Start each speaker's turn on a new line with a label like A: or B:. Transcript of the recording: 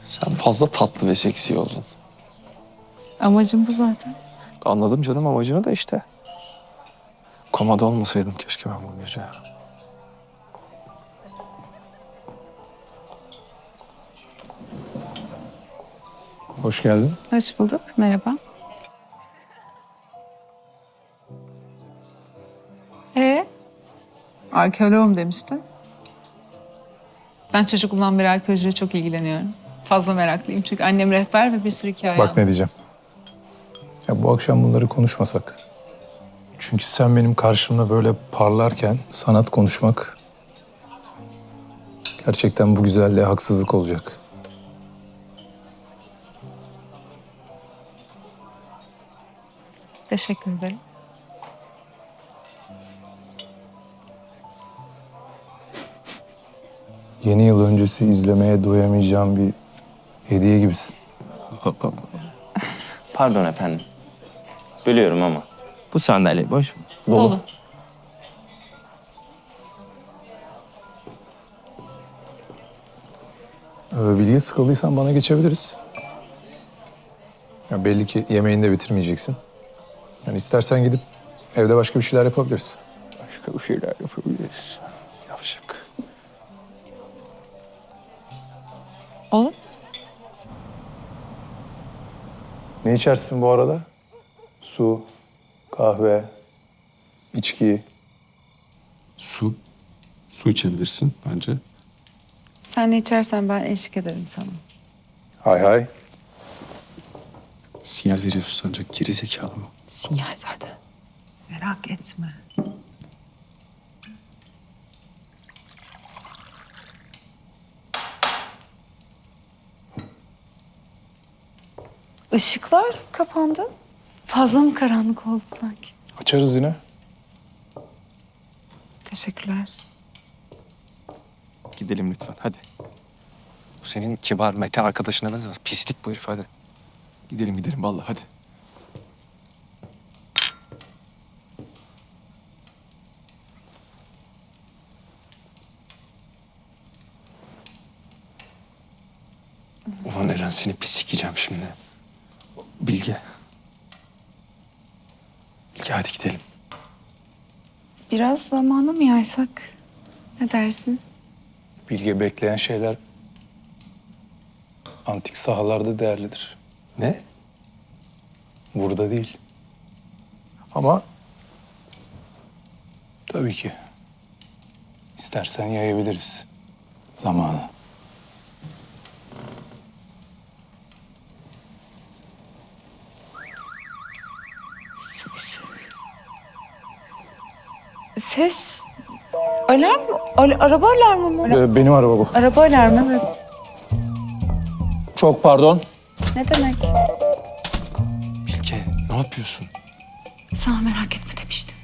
A: Sen fazla tatlı ve seksi oldun.
B: Amacım bu zaten.
A: Anladım canım amacını da işte. Komada olmasaydım keşke ben bu gece. Hoş geldin.
B: Hoş bulduk. Merhaba. Arkeoloğum demiştin. Ben çocukluğumdan beri arkeolojiyle çok ilgileniyorum. Fazla meraklıyım çünkü annem rehber ve bir sürü hikaye
C: Bak ne diyeceğim. Ya bu akşam bunları konuşmasak. Çünkü sen benim karşımda böyle parlarken sanat konuşmak gerçekten bu güzelliğe haksızlık olacak.
B: Teşekkür ederim.
C: Yeni yıl öncesi izlemeye doyamayacağım bir hediye gibisin.
D: Pardon efendim. Bölüyorum ama. Bu sandalye boş mu?
B: Dolu.
C: Bilge sıkıldıysan bana geçebiliriz. Ya belli ki yemeğini de bitirmeyeceksin. Yani istersen gidip evde başka bir şeyler yapabiliriz.
A: Başka bir şeyler yapabiliriz. Yavşak.
B: Olur.
C: Ne içersin bu arada? Su, kahve, içki.
A: Su. Su içebilirsin bence.
B: Sen ne içersen ben eşlik ederim sana.
C: Hay hay.
A: Sinyal veriyorsun ancak geri zekalı mı?
B: Sinyal zaten. Merak etme. Işıklar kapandı. Fazla mı karanlık oldu sanki?
C: Açarız yine.
B: Teşekkürler.
A: Gidelim lütfen hadi. Bu senin kibar Mete arkadaşına benzemez. Pislik bu herif hadi. Gidelim vallahi hadi. Ulan Eren seni pis sikeceğim şimdi. Bilge. Bilge hadi gidelim.
B: Biraz zamanı mı yaysak? Ne dersin?
C: Bilge bekleyen şeyler antik sahalarda değerlidir.
A: Ne?
C: Burada değil. Ama tabii ki istersen yayabiliriz zamanı.
B: Ses. Alarm mı? Araba alarmı mı?
C: Benim araba bu.
B: Araba alarmı, evet.
C: Çok pardon.
B: Ne demek?
A: Bilge ne yapıyorsun?
B: Sana merak etme demiştim.